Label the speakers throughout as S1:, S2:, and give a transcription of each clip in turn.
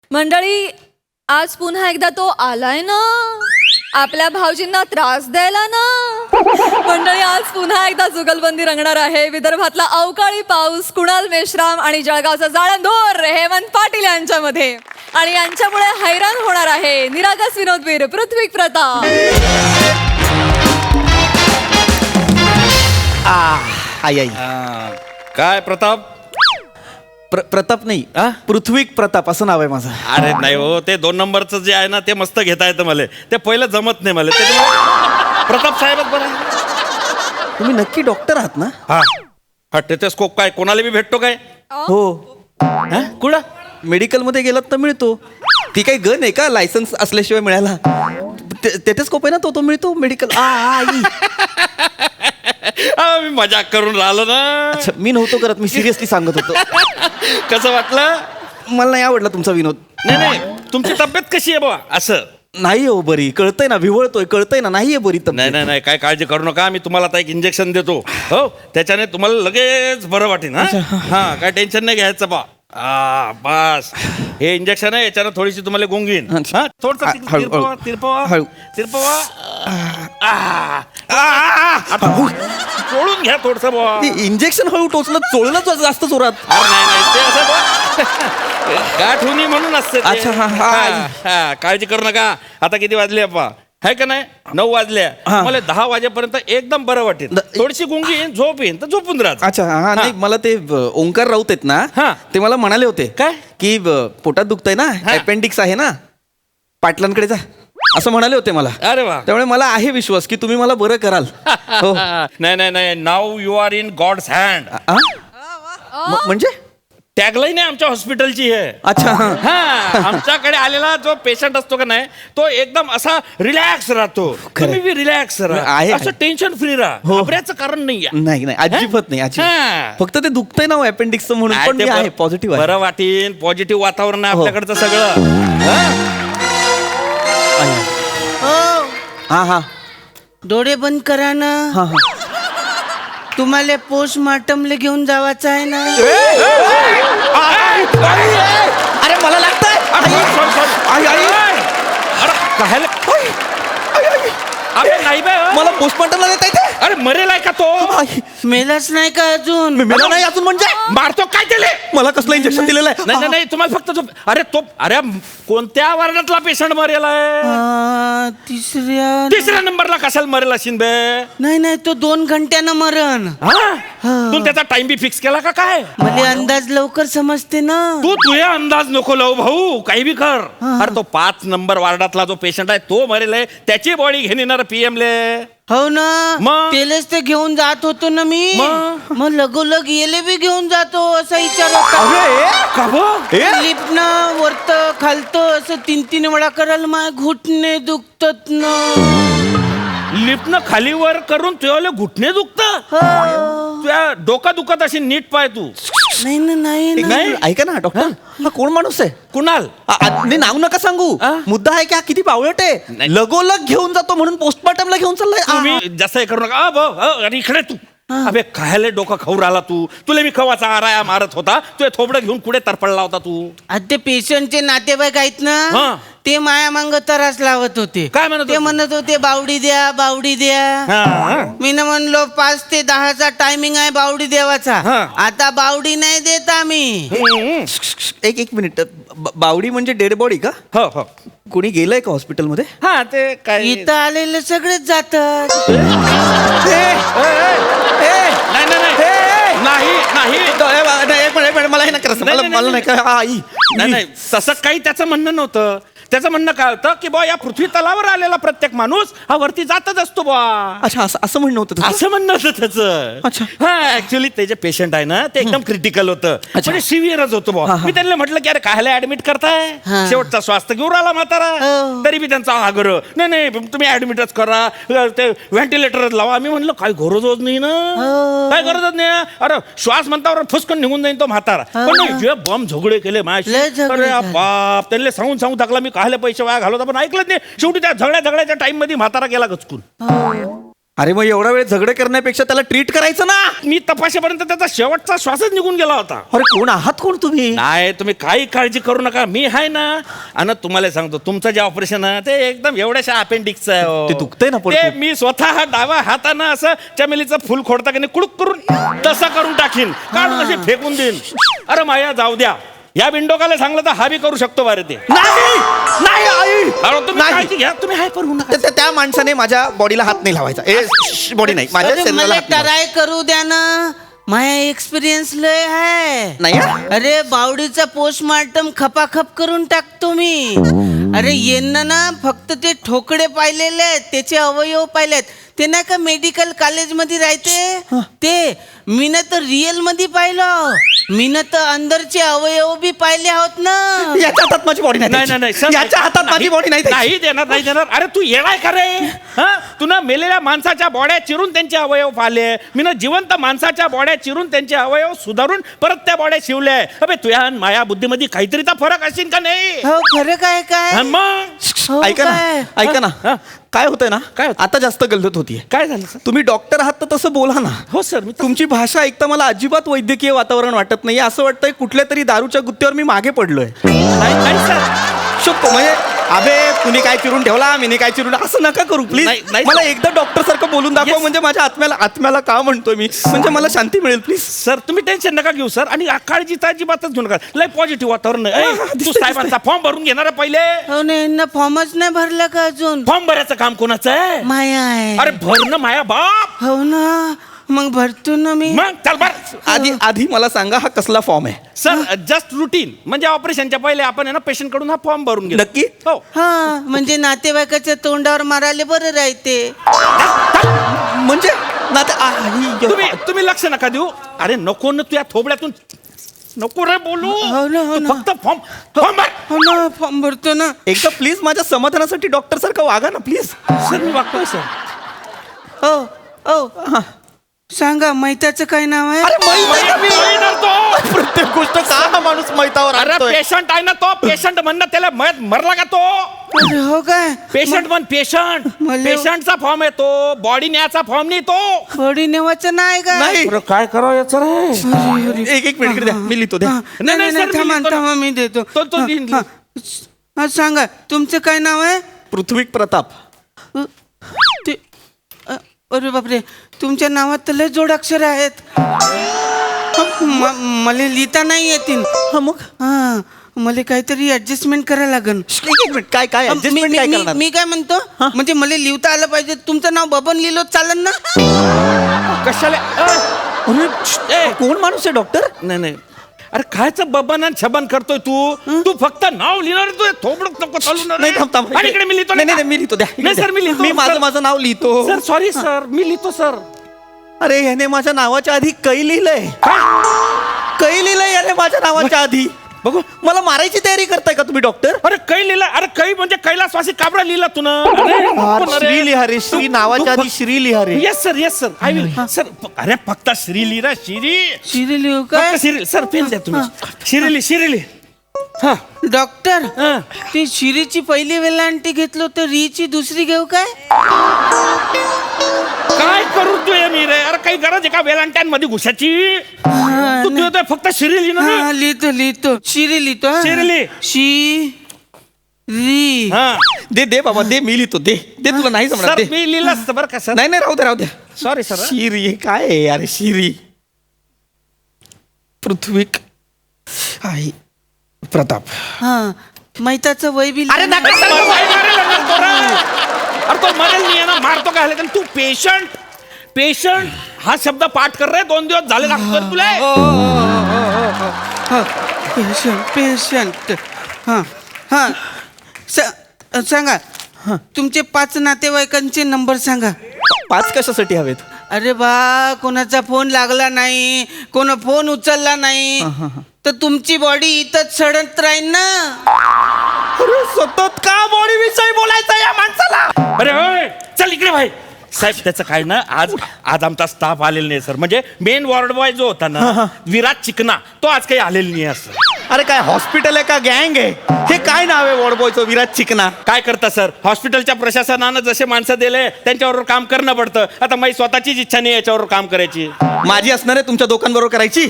S1: मंडळी, आज पुन्हा एकदा तो आलाय ना आपल्या भाऊजींना त्रास द्यायला ना. मंडळी, आज पुन्हा एकदा जुगलबंदी रंगणार आहे. विदर्भातला अवकाळी पाऊस, कुणाल मेश्राम आणि जळगावचा जाळंधोर हेमंत पाटील यांच्यामध्ये. आणि यांच्यामुळे हैराण होणार आहे निरागस विनोदवीर पृथ्वी प्रताप.
S2: आई आई
S3: काय प्रताप?
S2: प्रताप नाही पृथ्वी प्रताप असं नाव आहे माझं.
S3: अरे नाही हो, ते 2 नंबरचं जे आहे ना ते मस्त घेता येतं मला. ते पहिलं जमत नाही मला. त्याच्यामुळे प्रताप साहेबच बरं आहे.
S2: तुम्ही नक्की डॉक्टर आहात ना?
S3: हा हा टेथोस्कोप काय कोणाला बी भेटतो काय?
S2: हो.
S3: कुठं?
S2: मेडिकलमध्ये गेलात तर मिळतो. ती काही गन आहे का लायसन्स असल्याशिवाय मिळायला? टेथोस्कोप आहे ना, तो मिळतो मेडिकल. आई
S3: मी मजाक करून राहिलो ना.
S2: अच्छा, मी नव्हतो करत, मी सिरियसली सांगत होतो.
S3: कसं वाटलं?
S2: मला नाही आवडला तुमचा विनोद.
S3: नाही नाही, तुमची तब्येत कशी आहे बाबा? असं
S2: नाही हो बरी, कळतंय ना, विवळतोय, कळतंय ना, नाहीये बरी
S3: नाही
S2: तब्येत.
S3: नाही नाही, काय काळजी करू नका. मी तुम्हाला आता एक इंजेक्शन देतो. हो, त्याच्याने तुम्हाला लगेच बरं वाटेल. हा काय टेन्शन नाही घ्यायचं बा. बस हे इंजेक्शन आहे, याच्यानं थोडीशी तुम्हाला गुंगीन. हा थोडस
S2: हळू,
S3: तिरपवा तिरपवा
S2: हळू.
S3: तिरपवा. चोळून घ्या थोडस बुवा.
S2: इंजेक्शन हळू टोचलं, चोळलं जास्त जोरात.
S3: अरे नाही नाही, ते असं बुवा. गाठ होणी म्हणून असते ते.
S2: अच्छा, हा.
S3: काळजी करू नका. आता किती वाजले अप्पा? है का नाही? 9 वाजल्या. मला 10 वाजेपर्यंत एकदम बरं वाटेल. थोडीशी गुंगी येईन, झोप येईन तर झोपून राहा.
S2: अच्छा, हा नाही, मला ते ओंकार राऊत आहेत ना,
S3: हा.
S2: ते मला म्हणाले होते
S3: काय?
S2: की पोटात दुखतंय ना, अपेंडिक्स आहे ना, पाटलांकडे जा असं म्हणाले होते मला.
S3: अरे वा.
S2: त्यामुळे मला आहे विश्वास की तुम्ही मला बरं कराल. हो.
S3: नाही नाही नाही, नाव you are in God's hand.
S2: म्हणजे
S3: टॅगलाईन आहे आमच्या हॉस्पिटलची आहे.
S2: अच्छा, हा.
S3: हा, आमच्याकडे आलेला जो पेशंट असतो का नाही, तो एकदम असा रिलॅक्स राहतो. तुम्ही बी रिलॅक्स राहा,
S2: आहे.
S3: असं टेन्शन फ्री राहा.
S2: हो.
S3: घाबरायचं कारण नाही.
S2: नाही नाही, अजिबात नाही,
S3: हा.
S2: अजिबात. फक्त ते दुखतंय ना अपेंडिक्स म्हणून, पण मी आहे पॉझिटिव्ह आहे.
S3: बरं वाटेल. पॉझिटिव्ह वातावरण आहे
S2: हो.
S3: आपल्याकडचं सगळं.
S2: हा हा
S4: डोळे बंद करा ना.
S2: हा हा.
S4: तुम्हाला पोस्टमार्टमला घेऊन जावाचं आहे ना.
S2: अरे मला लागतंय. आई, आई.
S3: अरे नाही बे.
S2: मला पोस्टमार्टमला देता येते.
S3: अरे मरेल आहे का तो?
S2: आई,
S4: मेलाच नाही का अजून?
S2: मेला नाही अजून म्हणजे?
S3: मारतो काय त्याले?
S2: मला कसलं इंजेक्शन दिलेलं आहे?
S3: नाही नाही, तुम्हाला फक्त अरे तो कोणत्या वार्डातला पेशंट मरेल आहे? तिसऱ्या नंबरला कशाला मरेल असेल बे?
S4: नाही नाही, तो 2 घंट्यानं मरण.
S3: तू त्याचा टाइम बी फिक्स केला का काय?
S4: मला अंदाज लवकर समजते ना.
S3: तू तुझ्या अंदाज नको लावू भाऊ, काही बी कर. अरे तो 5 नंबर वार्डातला जो पेशंट आहे तो मरेल आहे, त्याची बॉडी घेऊन येणार PM ले.
S4: हो ना,
S3: मग?
S4: तेलच ते घेऊन जात होतो ना मी.
S3: मग?
S4: मग लगोलग येले बी घेऊन जातो असा विचार होता.
S2: अरे
S3: का गं?
S4: लिफ्टनं वरत खालत असं 3 वेळा करायला माझे घुटणे दुखतात ना.
S3: लिफ्टनं खाली वर करून तुझ्याला घुटणे दुखत? तुझ्या डोका दुखत अशी नीट पाय तू.
S4: नाही ना, नाही ना.
S3: नाही.
S2: ऐका ना डॉक्टर, हा कोण माणूस आहे?
S3: कुणाल?
S2: नाही, नाव नका सांगू. मुद्दा आहे की हा किती बावळट आहे.
S3: नाही.
S2: लगोलग घेऊन जातो म्हणून पोस्टमार्टमला घेऊन चाललाय.
S3: तुम्ही जास्त हे करू नका. अरे इकडे तू. अबे खायला डोका खाऊ राहिला तू. तुला मी खवाचा आराया मारत होता, तुझे थोबडं घेऊन कुठे तरपडला होता तू?
S4: आता ते पेशंटचे नातेवाईक आहेत
S3: हा.
S4: ना, ते माया मांग त्रास लावत होते.
S3: काय म्हणत
S4: ते
S3: होते?
S4: म्हणत होते बावडी द्या, बावडी द्या.
S3: हा.
S4: मी ना म्हणलो 5 ते 10चा टायमिंग आहे बावडी देवाचा.
S3: हा.
S4: आता बावडी नाही देत आम्ही.
S2: एक मिनिट, बावडी म्हणजे डेड बॉडी का?
S3: हो हो.
S2: कोणी गेलंय का हॉस्पिटलमध्ये?
S3: हा ते काय
S4: इथं आलेले सगळेच जातात.
S3: नाही नाही नाही नाही
S2: एक मिनिट, मला हे नका
S3: नाही,
S2: मला
S3: नाही,
S2: मला नाही का आई.
S3: नाही नाही, तसं काही त्याचं म्हणणं नव्हतं. त्याचं म्हणणं काय होतं की बा या पृथ्वी तलावर आलेला प्रत्येक माणूस हा वरती जातच असतो बा.
S2: अच्छा, असं म्हणणं होतं तुझं?
S3: असं म्हणणं होतं त्याचं.
S2: अच्छा.
S3: हा ऍक्च्युली ते जे पेशंट आहे ना ते एकदम क्रिटिकल होतं, म्हणजे सिव्हिअरच होतं बा. मी त्यांना म्हटलं की अरे कायला ऍडमिट करताय,
S4: हा.
S3: शेवटचा स्वास्थ्य घेऊन राहिला म्हातारा.
S4: हो.
S3: तरी बी त्यांचा आग्रह, नाही नाही तुम्ही ऍडमिटच करा, ते व्हेंटिलेटरच लावा. आम्ही म्हणलं काय गरजच नाही ना, काय गरजच नाही. अरे श्वास म्हणतावर फुसकन निघून जाईन तो म्हातारा. पण नाही, जे बम झगडे केले माझ्याशी.
S4: लय झगडे
S3: अरे
S4: झाले.
S3: बाप, त्यांना सांगून टाकला मी कायले पैसे वाया घालवता, पण ऐकलंच नाही. शेवटी त्या झगड्याच्या टाइम मध्ये म्हातारा गेला गचकून.
S2: अरे मग एवढा वेळ झगडे करण्यापेक्षा त्याला ट्रीट करायचं ना.
S3: मी तपासेपर्यंत त्याचा शेवटचा श्वासच निघून गेला होता.
S2: अरे कोण आहात कोण तुम्ही?
S3: नाही तुम्ही काही काळजी करू नका, मी आहे ना. आणि तुम्हाला सांगतो तुमचं जे ऑपरेशन आहे ते एकदम एवढ्याशा अपेंडिक्सचं आहे हो.
S2: ते दुखतंय ना पोट
S3: ते
S2: खूप.
S3: मी स्वतः डावा हातानं असं चमेलीचं फुल खोडता की नाही कुडूक करून तसं करून टाकीन, काढून असे फेकून देईन. अरे माया जाऊ द्या, या विंडोकाला सांगलं तर हा बी करू शकतो बारे ते.
S2: नाही नाही आई.
S3: अरे तुम्ही
S2: नाही.
S3: काळजी घ्या, तुम्ही हाय करू नका.
S2: त्या माणसाने माझ्या बॉडीला हात नाही लावायचा. बॉडी नाही, माझ्या
S4: अरे
S2: शरीराला
S4: मला
S2: हात नाही
S4: ट्राय करू द्या ना, माझा एक्सपिरियन्स लय आहे.
S2: नाही हा?
S4: अरे बावडीचा पोस्टमार्टम खपाखप करून टाकतो मी. अरे यांना ना फक्त ते ठोकळे पाहिलेले आहेत, त्याचे अवयव पाहिलेत. ते नाही का मेडिकल कॉलेज मध्ये राहते ते, मी ना तर रिअल मध्ये पाहिलं. मी ना तर अंदरचे अवयव बी पाहिले आहोत ना.
S2: याच्या हातात माझी बॉडी
S3: नाही
S2: नाही
S3: नाही
S2: द्यायची. याच्या हातात माझी बॉडी नाही द्यायची.
S3: नाही देणार, नाही देणार. अरे तू येणार का रे? हा तू ना मेलेल्या माणसाच्या बॉड्या चिरून त्यांचे अवयव पाहिले, मी ना जिवंत माणसाच्या बॉड्या चिरून त्यांचे अवयव सुधारून परत त्या बॉड्या शिवल्या. अबे तुझ्या माया बुद्धीमध्ये काहीतरी तर फरक असेल का नाही?
S4: हो खरं काय काय
S3: हा, मग
S4: हो
S2: ऐका
S4: काय?
S2: ना ऐका
S3: हा?
S2: ना, काय होतंय ना,
S3: काय होतंय?
S2: आता जास्त गल्लत होतीये.
S3: काय झालं सर?
S2: तुम्ही डॉक्टर आहात तर तसं बोला ना.
S3: हो सर, मी
S2: तुमची भाषा ऐकता मला अजिबात वैद्यकीय वातावरण वाटत नाही. असं वाटतंय कुठल्या तरी दारूच्या गुत्त्यावर मी मागे पडलोय.
S3: नाही सर.
S2: शकतो म्हणजे अबे तुम्ही काय चिरून ठेवला, मी काय चिरून, असं नका करू प्लीज.
S3: नाही, नाही.
S2: मला एकदा डॉक्टर सारखं बोलून दाखवा.
S3: Yes.
S2: म्हणजे माझ्या आत्म्याला का म्हणतोय मी, म्हणजे मला शांती मिळेल प्लीज.
S3: सर तुम्ही टेन्शन नका घेऊ सर, आणि काळजीची अजिबातच घेऊ नका. लय पॉझिटिव्ह वातावरण आहे. ए, तू
S2: दिसतंय,
S3: साहेबांचा फॉर्म भरून घेणार आहे पहिले.
S4: हो ना, यांना फॉर्मच नाही भरला का अजून?
S3: फॉर्म भरायचं काम कोणाचं आहे?
S4: माया आहे.
S3: अरे भर ना माया बाप.
S4: हो ना, मग भरतो ना मी.
S3: मग चल भर.
S2: आधी मला सांगा हा कसला फॉर्म आहे?
S3: सर जस्ट रुटीन, म्हणजे ऑपरेशनच्या पहिले आपण आहे ना पेशंट कडून हा फॉर्म भरून घेऊ.
S2: नक्की?
S3: हो.
S4: हा म्हणजे नातेवाईकाच्या तोंडावर मारायला बरं राहते.
S2: म्हणजे ना ते-
S3: तुम्ही लक्ष नका देऊ. अरे नको ना तुझ्या थोबड्यातून नको रे बोलू.
S4: हो ना, हो
S3: तू
S4: ना.
S3: फक्त फॉर्म भर.
S4: हो ना, फॉर्म भरतो ना.
S2: एकदा प्लीज माझ्या समाधानासाठी डॉक्टर सारखं वागा ना प्लीज.
S3: सर मी वागतोय सर.
S4: हो हो सांगा, मैताचं काय नाव आहे?
S2: अरे माहित आहे का मी?
S3: महिना तो.
S2: प्रत्येक गोष्ट का हा माणूस मैतावर
S3: अरे
S2: आणतोय?
S3: पेशंट आहे ना तो, पेशंट म्हणणं त्याला मरला का तो?
S4: अरे हो काय?
S3: पेशंट म्हण पेशंट.
S4: मला-
S3: पेशंटचा फॉर्म आहे तो, बॉडी न्यायचा फॉर्म नाही तो.
S4: बॉडी नेवाचं नाही का?
S2: नाही.
S3: काय करावं याचं रे?
S2: एक मिनिट इकडे द्या, मी लिहितो द्या.
S4: नाही नाही
S3: सर, मी
S4: थांबा
S3: लिहितो ना.
S4: थांबा, मी देतो.
S3: तो लिहीन.
S4: हा, हा, सांगा तुमचं काय नाव आहे?
S2: पृथ्वीक प्रताप.
S4: ते अरे बापरे, तुमच्या नावात तर लय जोडाक्षर आहेत. मला लिहिता नाही येतील.
S2: हा मग
S4: हा मला काहीतरी ऍडजस्टमेंट करायला लागेल.
S2: एक मिनिट, काय काय adjustment काय करणार?
S4: मी काय म्हणतो, म्हणजे मला लिहिता आलं पाहिजे. तुमचं नाव बबन लिहिलं चालेल ना?
S3: कशाला?
S2: अरे, कोण माणूस आहे डॉक्टर?
S3: नाही नाही, अरे कायचं बबन आणि छबन करतोय तू फक्त नाव लिहिणार, तू थोबडं नको चालू ना रे.
S2: नाही थांब थांब
S3: आणि इकडे मी लिहितो
S2: नाही नाही, मी लिहितो द्या.
S3: नाही सर, मी लिहितो.
S2: मी माझं नाव लिहितो.
S3: सर सॉरी सर, मी लिहितो सर.
S2: अरे याने माझ्या नावाच्या आधी कै लिहिलंय. कै लिहिलंय याने माझ्या नावाच्या आधी.
S3: बघू.
S2: मला मारायची तयारी करताय का तुम्ही डॉक्टर?
S3: अरे कै लिहिला. अरे कै म्हणजे कैलासवासी काबरा लिहिला तू ना.
S2: श्री लिहा रे, श्री नावाच्या आधी श्री लिहा रे.
S3: Yes sir I will sir. अरे फक्त श्री लिहिला, श्री.
S4: शिरी लिहू काय?
S3: फक्त श्री. सर पेन द्या तुम्ही. शिरिली. हा.
S4: डॉक्टर
S3: हा.
S4: ती शिरीची पहिली वेलांटी घेतलो तर रीची दुसरी घेऊ काय?
S3: काय करू तू मी रे? अरे काही गरज आहे का वेलांट्यांमध्ये घुसाची? तू लिहितोय फक्त श्री लिहिणं ना.
S4: हा लिहितो शिरी लिहितो. हा.
S3: शिरी लिह.
S4: री.
S3: हा.
S2: दे बाबा दे, मी लिहितो. दे तुला नाही जमणार.
S3: सर
S2: दे.
S3: मी लिहिलं असतं बरं का सर.
S2: नाही राहू द्या.
S3: Sorry sir.
S2: शिरी काय आहे अरे? शिरी पृथ्वीक आई प्रताप.
S4: हा मैताचं वय बी
S2: अरे
S4: लिहिलं.
S2: नका
S3: अरे तो मरेल नाही ना, मारतो काय झालं? तू पेशंट हा शब्द पाठ कर रे. 2 दिवस झाले लागतो तुला.
S4: पेशंट हा हा सांगा, तुमचे 5 नातेवाईकांचे नंबर सांगा.
S2: 5 कशासाठी हवेत?
S4: अरे बा, कोणाचा फोन लागला नाही, कोणा फोन उचलला नाही तर तुमची बॉडी इथंच सडत राहील ना.
S2: अरे सतत का बॉडी विषयी बोलायचं या माणसाला?
S3: अरे होय, चल इकडे भाई. साहेब त्याचं काय ना, आज आमचा स्टाफ आलेला नाही सर. म्हणजे मेन वॉर्ड बॉय जो होता ना, विराट चिकना, तो आज काही आलेला नाही असं.
S2: अरे काय हॉस्पिटल आहे का गँग आहे? हे काय नाव आहे वॉर्ड बॉयचं? विराज चिकना.
S3: काय करता सर, हॉस्पिटलच्या प्रशासनानं जसे माणसं दिले त्यांच्याबरोबर काम करणं पडतं. आता माझी स्वतःचीच इच्छा नाही याच्यावर काम करायची.
S2: माझी असणार आहे तुमच्या दोघांबरोबर करायची.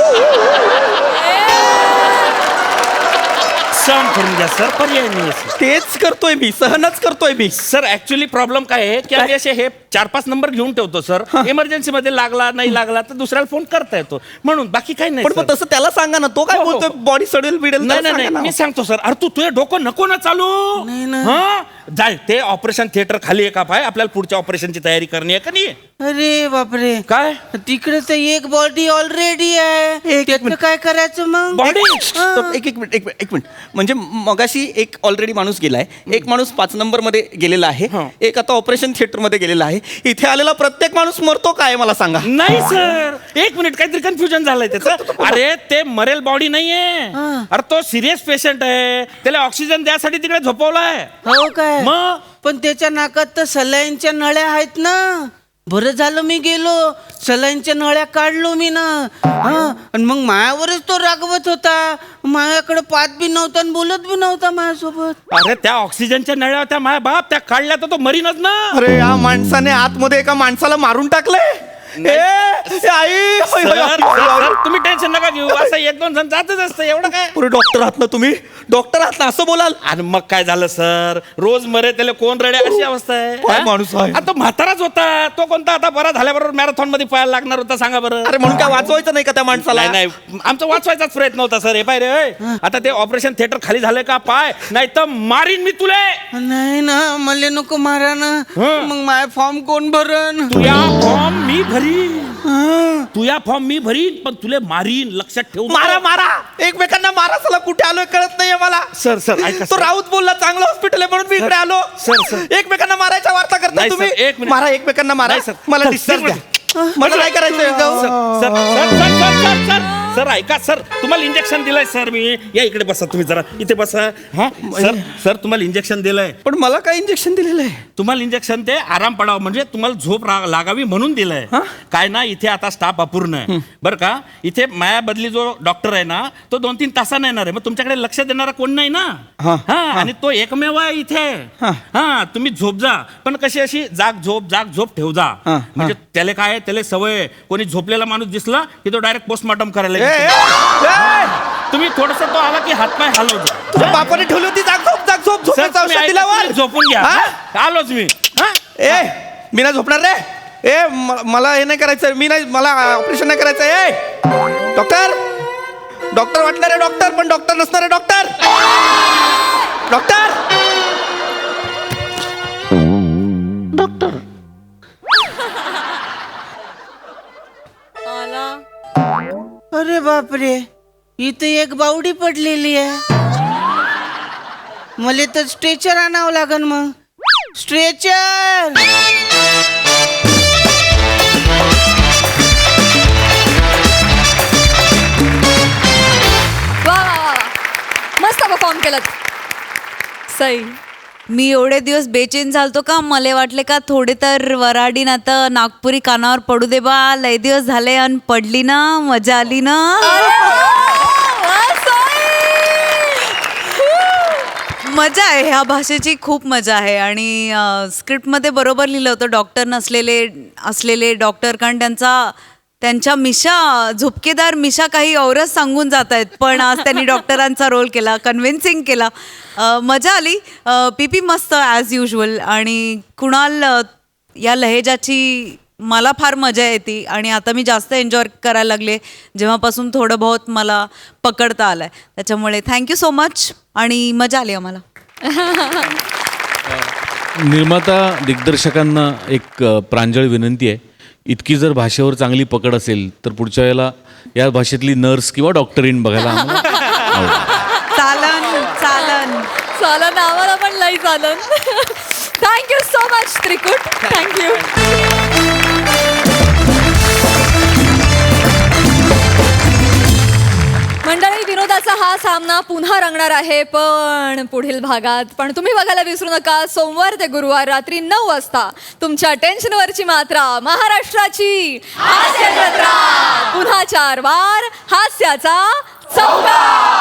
S3: सहन करून घ्या सर, पर्याय नाही सर.
S2: तेच करतोय मी, सहनच करतोय मी.
S3: सर ऍक्च्युली प्रॉब्लेम काय आहे की आम्ही असे हे 4-5 नंबर घेऊन ठेवतो सर. इमर्जन्सी मध्ये लागला नाही लागला तर दुसऱ्याला फोन करता येतो म्हणून, बाकी काही नाही
S2: पण
S3: सर.
S2: मग तसं त्याला सांगा ना, तो काय
S3: हो, हो,
S2: बोलतोय
S3: हो.
S2: बॉडी सडेल बिडेल.
S3: नाही नाही नाही, मी सांगतो सर. अरे तू तुझे डोकं नको ना चालू. हा जाय, ते ऑपरेशन थिएटर खाली आहे का पाय, आपल्याला पुढच्या ऑपरेशनची तयारी करणे आहे का नाही?
S4: अरे बापरे,
S3: काय
S4: तिकडे तर एक बॉडी ऑलरेडी आहे, त्याचं काय करायचं मग?
S3: बॉडी?
S2: एक मिनिट म्हणजे मगाशी एक ऑलरेडी माणूस गेलाय, एक माणूस 5 नंबर मध्ये गेलेला आहे,
S3: हा.
S2: एक आता ऑपरेशन थिएटर मध्ये गेलेला आहे. इथे आलेला प्रत्येक माणूस मरतो काय मला सांगा?
S3: नाही सर, एक मिनिट, काहीतरी कन्फ्युजन झालंय त्याचं. अरे ते मरेल बॉडी नाहीये. अरे तो सिरियस पेशंट आहे, त्याला ऑक्सिजन द्यासाठी तिकडे झोपवलाय.
S4: हो काय?
S3: मग
S4: पण त्याच्या नाकात तर सलाईनच्या नळ्या आहेत ना. बरं झालं मी गेलो, सलाईनच्या नळ्या काढलो मी ना. आणि मग मायावरच तो रागवत होता. मायाकडे पाहत बी नव्हता आणि बोलत बी नव्हता माझ्यासोबत.
S3: अरे त्या ऑक्सिजनच्या नळ्या होत्या माय बाप, त्या काढल्या तर तो मरीनच ना.
S2: अरे या माणसाने आतमध्ये एका माणसाला मारून टाकलंय. आई
S3: सर, तुम्ही टेन्शन नका घेऊ, असं 1-2 जण जातच असतं, एवढं काय.
S2: पुरे डॉक्टर आहात ना तुम्ही, डॉक्टर आहात ना, असं बोलाल?
S3: आणि मग काय झालं सर, रोज मरे त्याला कोण रडे, अशी अवस्था आहे.
S2: काय
S3: हा?
S2: माणूस आहे?
S3: आता तो म्हाताराच होता, तो कोणता आता बरा झाल्याबरोबर मॅरेथॉन मध्ये पळायला लागणार होता, सांगा बरं.
S2: अरे म्हणून काय वाचवायचं नाही का त्या माणसाला?
S3: नाही नाही, आमचा वाचवायचाच प्रयत्न होता सर. हे पाय रे, आता ते ऑपरेशन थिएटर खाली झालंय का पाय, नाही तर मारीन मी तुले.
S4: नाही ना, मला नको मारा ना. मग माय फॉर्म कोण भरण?
S3: तुया फॉर्म मी भरीन, तुया फॉर्म मी भरीन, पण तुले मारीन, लक्षात ठेव.
S2: मारा मारा, एकमेकांना मारा. चला कुठे आलोय कळत नाहीये मला.
S3: सर सर ऐका
S2: तो
S3: सर.
S2: राऊत बोलला चांगलं हॉस्पिटल आहे म्हणून मी इकडे आलो.
S3: सर.
S2: एकमेकांना मारायच्या वार्ता करता
S3: नाही,
S2: तुम्ही.
S3: सर, एक मिनिट.
S2: मारा, एकमेकांना मारा.
S3: नाही, सर.
S2: मला
S3: सर,
S2: डिस्चार्ज
S3: सर,
S2: द्या. मला काय करायचंय?
S3: Sir sir sir sir sir sir sir ऐका सर, तुम्हाला इंजेक्शन दिलंय सर मी. या इकडे बसा तुम्ही, जरा इथे बसा. हा सर सर, तुम्हाला इंजेक्शन दिलंय.
S2: पण मला काय इंजेक्शन दिलेलं आहे?
S3: तुम्हाला इंजेक्शन ते आराम पडावं म्हणजे तुम्हाला झोप लागावी म्हणून दिलंय. काय ना, इथे आता स्टाफ अपूर्ण आहे बरं का. इथे माया बदली जो डॉक्टर आहे ना, तो 2-3 तासाने येणार आहे. मग तुमच्याकडे लक्ष देणारा कोण नाही ना. हा, आणि तो एकमेव आहे इथे. हा, तुम्ही झोप जा, पण कशी अशी जाग झोप ठेव जा. म्हणजे त्याला काय, त्याला सवय, कोणी झोपलेला माणूस दिसला की तो डायरेक्ट पोस्टमॉर्टम करायला येतो. तुम्ही थोडस तो आला की हातपाय हलव जा.
S2: तुझ्या बापाने ठेवली होती जाग झोप
S3: सर,
S2: झोपेचं
S3: तुम्ही
S2: औषध
S3: ऐका,
S2: दिल्यावर.
S3: तुम्ही झोपून घ्या. आलोच मी.
S2: मी नाही झोपणार रे. मला हे नाही करायचं, मी नाही, मला ऑपरेशन नाही करायचं. डॉक्टर वाटणार आहे डॉक्टर, पण डॉक्टर नसणार आहे डॉक्टर.
S4: अरे बापरे, इथे एक बावडी पडलेली आहे. मला तर स्ट्रेचर आणावं लागन. मग स्ट्रेचर.
S1: वा वा वा, मस्त परफॉर्म केलं. सई,
S5: मी एवढे दिवस बेचैन झालतो का, मला वाटले का थोडे तर वराडी ना तर नागपुरी कानावर पडू दे बा. लय दिवस झाले आणि पडली ना, मजा आली ना. मजा आहे, ह्या भाषेची खूप मजा आहे. आणि स्क्रिप्टमध्ये बरोबर लिहिलं होतं, डॉक्टर असलेले डॉक्टर, कारण त्यांच्या मिशा, झुपकेदार मिशा काही औरच सांगून जात आहेत, पण आज त्यांनी डॉक्टरांचा रोल केला, कन्व्हिन्सिंग केला. मजा आली. पीपी मस्त ॲज युजल. आणि कुणाल या लहेजाची मला फार मजा येते आणि आता मी जास्त एन्जॉय करायला लागले जेव्हापासून थोडं बहुत मला पकडता आलं आहे. त्याच्यामुळे थँक्यू सो मच आणि मजा आली आम्हाला.
S6: निर्माता दिग्दर्शकांना एक प्रांजळ विनंती आहे, इतकी जर भाषेवर चांगली पकड असेल तर पुढच्या वेळेला या भाषेतली नर्स किंवा डॉक्टरीन बघायला आम्हाला
S5: चालन चालन
S1: चालन, आम्हाला पण लई चालन. थँक्यू सो मच त्रिकुट, थँक्यू. मंडळी, विनोदाचा हा सामना पुन्हा रंगणार आहे, पण पुढील भागात. पण तुम्ही बघायला विसरू नका, सोमवार ते गुरुवार रात्री 9 वाजता तुमच्या टेन्शनवरची मात्रा, महाराष्ट्राची हास्य जत्रा. पुन्हा 4 वार हास्याचा चौकार.